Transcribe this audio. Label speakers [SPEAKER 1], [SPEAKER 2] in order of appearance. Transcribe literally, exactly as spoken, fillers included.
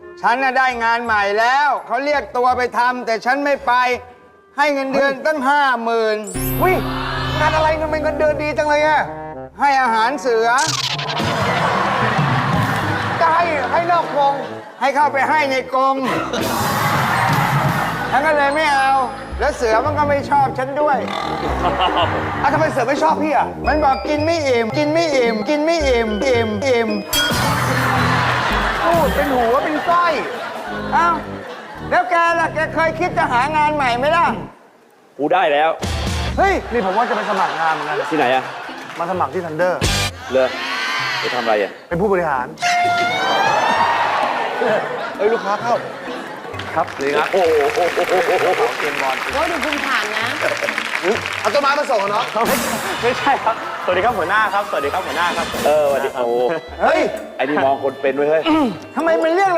[SPEAKER 1] ฉันน่ะได้งานใหม่แล้วเขาเรียกตัวไปทำแต่ฉันไม่ไป ให้เงินเดือนตั้งห้าหมื่น
[SPEAKER 2] วิงานอะไรทำไมเงินเดือนดีจังเลยอะ
[SPEAKER 1] ให้อาหารเสือ
[SPEAKER 2] จะให้ให้นอกกรง
[SPEAKER 1] ให้เข้าไปให้ในกรงฉันก็เลยไม่เอา แล้วเสือมันก็ไม่ชอบฉันด้วย
[SPEAKER 2] อ่ะทำไมเสือไม่ชอบพี่อะ
[SPEAKER 1] มันบอกกินไม่อิ่ม กินไม่อิ่ม กินไม่อิ่ม อิ่ม อิ่ม
[SPEAKER 2] พูดเป็นหัวเป็นสร้อย
[SPEAKER 1] เอ้า แล้วแกล่ะ แกเคยคิดจะหางานใหม่ไหมล่ะ
[SPEAKER 3] กูได้แล้ว
[SPEAKER 2] เฮ้ย นี่ผมว่าจะไปสมัครงานเหมือนกัน
[SPEAKER 3] ที่ไหนอะ
[SPEAKER 2] มาสมัครที่ทันเดอร์
[SPEAKER 3] เลยไปทำอะไรอะ
[SPEAKER 2] เป็นผู้บริหาร เฮ้ย ลูกค้าเข้า
[SPEAKER 3] ครับเลยครับโอ้โหโอ้โหโอ้โห
[SPEAKER 4] โอ้ดูภูมิฐานนะ
[SPEAKER 2] เอาต้นไม้มาส่งเหรอเนาะ
[SPEAKER 5] ไม่ใช่ครับ สวัสดีครับหัวหน้าครับ สวัสดีครับหัวหน้าครับ
[SPEAKER 3] เออสวัสดีโอ้
[SPEAKER 2] เฮ้ย
[SPEAKER 3] ไอ้นี่มองคนเป็นไว้เฮ้ย
[SPEAKER 1] ทำไมมันเรียก